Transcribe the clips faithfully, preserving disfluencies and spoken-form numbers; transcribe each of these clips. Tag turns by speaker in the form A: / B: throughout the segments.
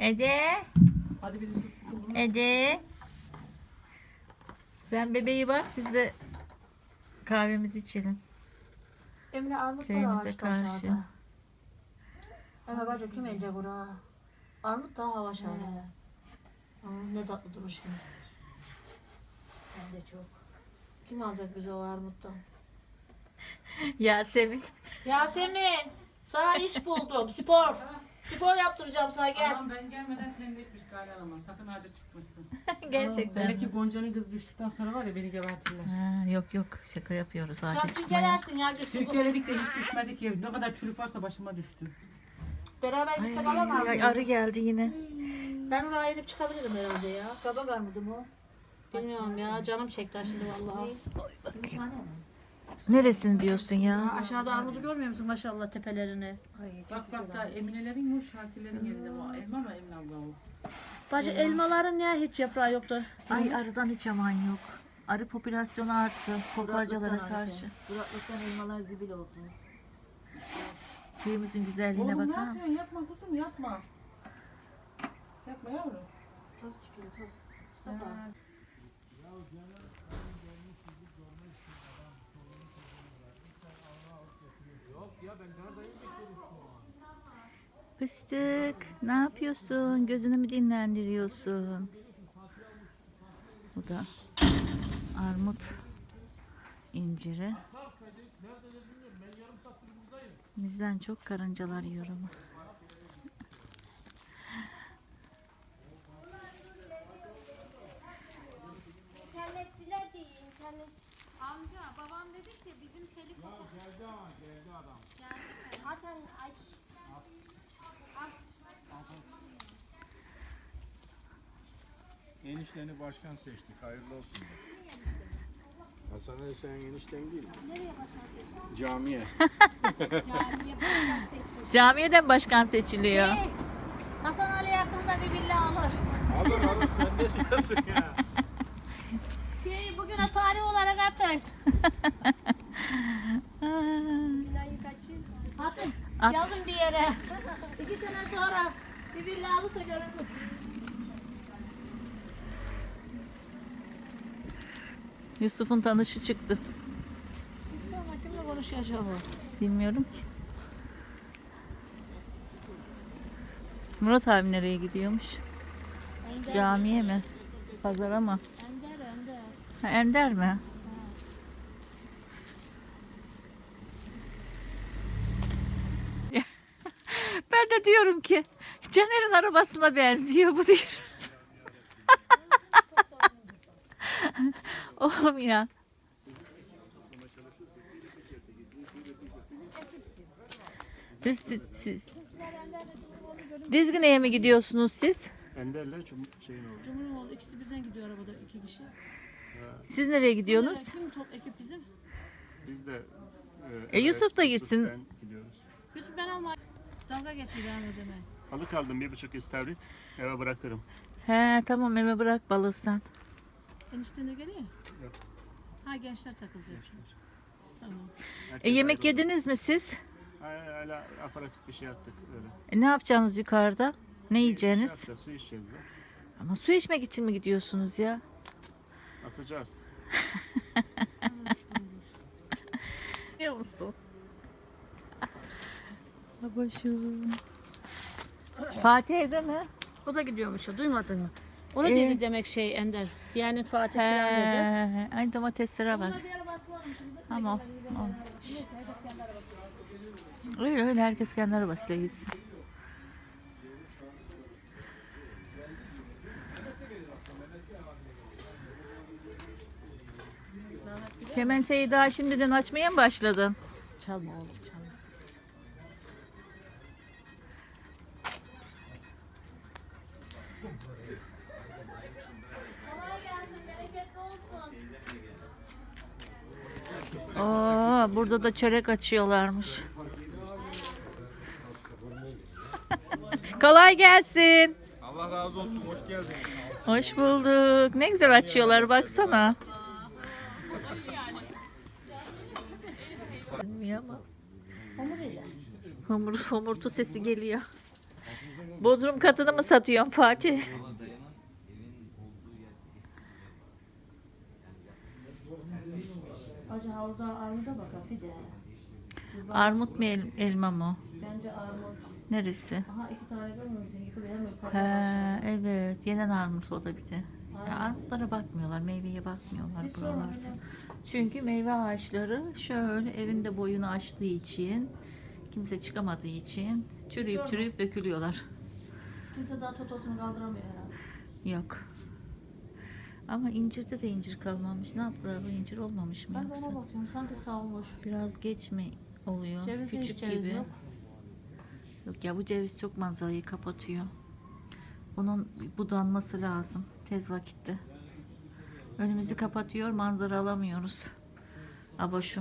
A: Ede.
B: Hadi bizi susturun.
A: Ede. Sen bebeği bak, biz de kahvemizi içelim.
C: Emre armut var
A: Köyümüze
C: ağaçta
A: karşı.
C: aşağıda. Emre bacım kim elecek ora? Armut daha hava aşağıda. Aa, ne tatlı durur şimdi. Ben de çok. Kim alacak bize o armuttan?
A: Yasemin.
C: Yasemin! Sana iş buldum. Spor. Spor yaptıracağım sana gel.
B: Tamam ben gelmeden tembih etmiş Galya ama sakın ağaca çıkmasın.
A: Gerçekten.
B: Belki Gonca'nın kızı düştükten sonra var ya beni gebertirler.
A: Ha, yok yok, şaka yapıyoruz.
C: Sen
A: Ağaca çıkmaya.
C: sirkelersin ya. Git
B: Sirkeledik de hiç düşmedik ya. Ne kadar çürük varsa başıma düştü.
C: Beraber
A: Ay,
C: gitsek alamaz
A: ay,
C: mıyım?
A: arı geldi yine.
C: Ben oraya inip çıkabilirim herhalde ya. Kabak armudu mu? Bilmiyorum ya. Canım çekti şimdi vallahi.
A: Neresini diyorsun
C: Ya
A: ya?
C: aşağıda armudu görmüyor musun maşallah tepelerini?
B: Bak bak da Eminelerin yok, Şakirlerin yerinde bu. Elma mı Emine abla o?
C: Bacı elmaların niye hiç yaprağı yoktu?
A: Ay, arıdan hiç aman yok. Arı popülasyonu arttı kokarcalara karşı.
C: Kuraklıktan elmalar zibil oldu.
A: Köyümüzün güzelliğine
B: Oğlum ne
A: bakar
B: yapıyorsun?
A: mısın?
B: Yapma kuzum yapma. Yapma yavrum.
C: Toz çıkıyor toz. Mustafa.
B: Ha,
A: Fıstık, ne yapıyorsun? Gözünü mü dinlendiriyorsun? Bu da armut inciri. Bizden çok karıncalar yiyor ama.
D: İnternetçiler değil, internet.
E: Amca babam dedi ki bizim telif
F: Ya geldi ama geldi adam.
E: geldi mi?
D: Zaten ay,
F: Enişteni başkan seçtik. Hayırlı olsun. Hasan Ali senin enişten değil mi? Nereye başkan seçtik? Camiye.
A: Camiyeden başkan seçiliyor.
C: Şey, Hasan Ali yakında bir villa alır.
F: Alır alır sen ne diyorsun ya?
C: Şey bugüne tarih olarak atın.
D: Bilal'i kaçırız.
C: Atın.
A: At.
C: Yazın bir yere. İki sene sonra bir villa alırsa görürüm.
A: Yusuf'un tanışı çıktı.
C: Sonra kimle konuşuyor acaba?
A: Bilmiyorum ki. Murat abi nereye gidiyormuş?
C: Ender.
A: Camiye mi? Pazara mı?
C: Ender, Ender.
A: Ha, Ender mi? Ben de diyorum ki Caner'in arabasına benziyor bu diyor. Oğlum ya. Siz, siz, siz. Dizgine'ye mi gidiyorsunuz siz?
F: Ender'le cum şeyin oldu.
C: Cumhurbaşkanı ikisi birden gidiyor arabada iki kişi.
A: Siz nereye gidiyorsunuz?
C: Kim top ekip bizim?
F: Biz de
A: E, Yusuf da gitsin.
F: Ben gidiyoruz.
C: Yusuf ben alma. Dalga geçiyor ben ödeme.
F: Balık aldım bir buçuk istavrit. Eve bırakırım.
A: He tamam, eve bırak balığı sen.
C: Enişte ne geliyor?
F: Yok.
C: Ha gençler takılacak. Tamam.
A: E, yemek yediniz mi siz?
F: Hala aparatif bir şey yaptık öyle.
A: E, ne yapacaksınız yukarıda? Ne
F: Şey
A: yiyeceğiniz?
F: yapacağız, su içeceğiz de.
A: Ama su içmek için mi gidiyorsunuz ya?
F: Atacağız.
A: Biliyor musun? Başım. Fatih evde mi?
C: O da gidiyormuş ya duymadın mı? Onu
A: Ee?
C: dedi demek şey Ender. Yani Fatih falan dedi.
A: He, ay domateslere bak.
C: Ona bir arabası varmış şimdi.
A: Tamam. Tamam.
C: Neyse herkes kendi arabası.
A: Öyle öyle, herkes kendi arabasıyla gitsin. Kemençeyi daha şimdiden açmaya mı başladın?
C: Çalma oğlum çalma.
A: Oo, burada da çörek açıyorlarmış. Kolay gelsin.
F: Allah razı olsun. Hoş geldiniz.
A: Hoş bulduk. Ne güzel açıyorlar, baksana. Bilmiyor ama.
C: Hamur ile.
A: Homur, homurtu sesi geliyor. Bodrum katını mı satıyorsun Fatih?
C: Hacı orada armuda bak ha, bir de. Bir bak.
A: Armut mu el- elma mı?
C: Bence armut.
A: Neresi?
C: Aha iki tane görmüyorsun. Yıkılıyor hem yukarıda
A: He,
C: başlıyor.
A: evet. Yenen armut o da bir de. Ya
C: Aynen.
A: armutlara bakmıyorlar, meyveye bakmıyorlar
C: Bir
A: buralarda.
C: sorun.
A: Çünkü meyve ağaçları şöyle evinde boyunu aştığı için, kimse çıkamadığı için çürüyüp
C: Sorma.
A: çürüyüp dökülüyorlar.
C: Kimse daha totosunu kaldıramıyor herhalde.
A: Yok. Ama incirde de incir kalmamış. Ne yaptılar, bu incir olmamış mı
C: Ben de
A: yoksa?
C: ona bakıyorum. Sanki savulmuş.
A: Biraz geç mi oluyor?
C: Cevizde hiç
A: Küçük
C: ceviz
A: gibi.
C: yok.
A: Yok ya, bu ceviz çok manzarayı kapatıyor. Bunun budanması lazım tez vakitte. Önümüzü kapatıyor, manzara alamıyoruz. Aboşum.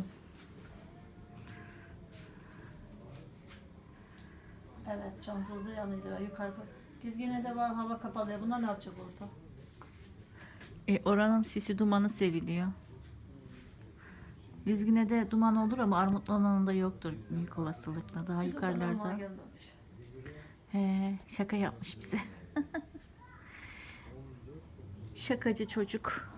C: Evet, cansızlığı yanıyor. Yukarı. Gizgine de var, hava kapalı. Ya bunlar ne yapacak orada?
A: E, oranın sisi dumanı seviliyor. Dizgine'de duman olur ama Armutlu'nun da yoktur büyük olasılıkla. Daha
C: Bizim adamlar
A: yukarılarda.
C: gelmemiş.
A: He, şaka yapmış bize. Şakacı çocuk.